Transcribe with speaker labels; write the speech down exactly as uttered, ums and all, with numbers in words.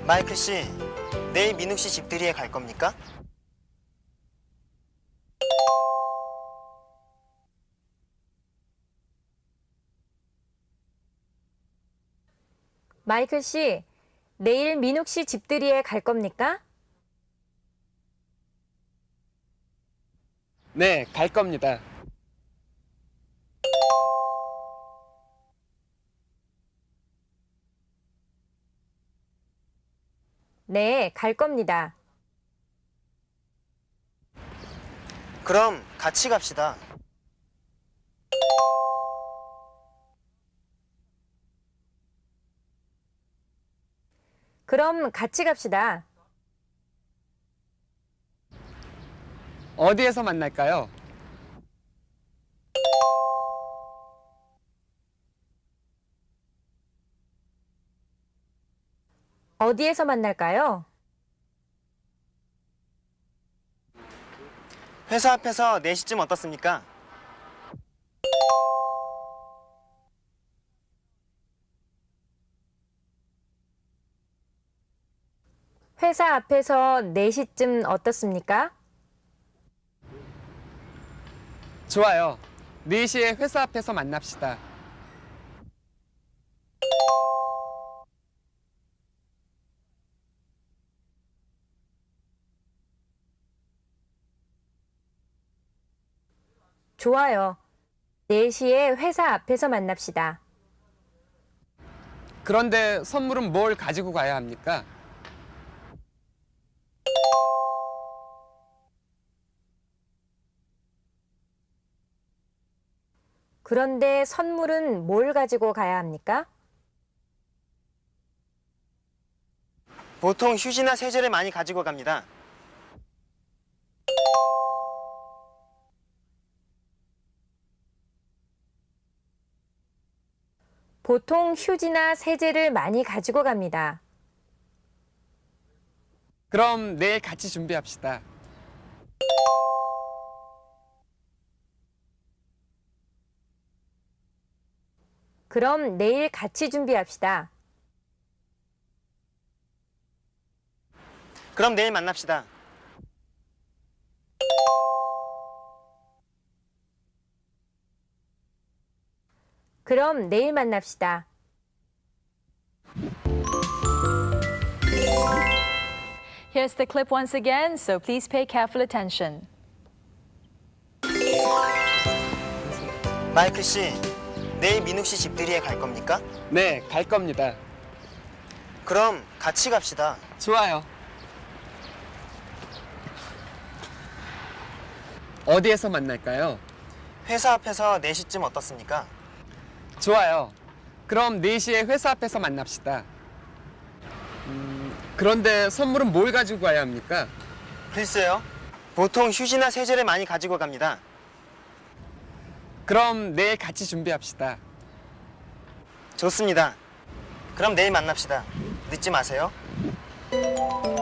Speaker 1: 마이클 씨, 내일 민욱 씨 집들이에 갈 겁니까?
Speaker 2: 마이클 씨, 내일 민욱 씨 집들이에 갈 겁니까?
Speaker 3: 네, 갈 겁니다.
Speaker 2: 네, 갈 겁니다.
Speaker 1: 그럼 같이 갑시다.
Speaker 2: 그럼 같이 갑시다.
Speaker 3: 어디에서 만날까요?
Speaker 2: 어디에서 만날까요?
Speaker 1: 회사 앞에서 네 시쯤 어떻습니까?
Speaker 2: 회사 앞에서 네 시쯤 어떻습니까?
Speaker 3: 좋아요. 네 시에 회사 앞에서 만납시다.
Speaker 2: 좋아요. 네 시에 회사 앞에서 만납시다.
Speaker 3: 그런데 선물은 뭘 가지고 가야 합니까?
Speaker 2: 그런데 선물은 뭘 가지고 가야 합니까?
Speaker 1: 보통 휴지나 세제를 많이 가지고 갑니다.
Speaker 2: 보통 휴지나 세제를 많이 가지고 갑니다.
Speaker 3: 그럼 내일 같이 준비합시다.
Speaker 2: 그럼 내일 같이 준비합시다.
Speaker 1: 그럼 내일 만납시다.
Speaker 2: 그럼 내일 만납시다.
Speaker 4: Here's the clip once again, so please pay careful attention.
Speaker 1: 마이클 씨, 내일 민욱 씨 집들이에 갈 겁니까?
Speaker 3: 네, 갈 겁니다.
Speaker 1: 그럼 같이 갑시다.
Speaker 3: 좋아요. 어디에서 만날까요?
Speaker 1: 회사 앞에서 네 시쯤 어떻습니까?
Speaker 3: 좋아요. 그럼 네 시에 회사 앞에서 만납시다. 음, 그런데 선물은 뭘 가지고 가야 합니까?
Speaker 1: 글쎄요. 보통 휴지나 세제를 많이 가지고 갑니다.
Speaker 3: 그럼 내일 같이 준비합시다.
Speaker 1: 좋습니다. 그럼 내일 만납시다. 늦지 마세요.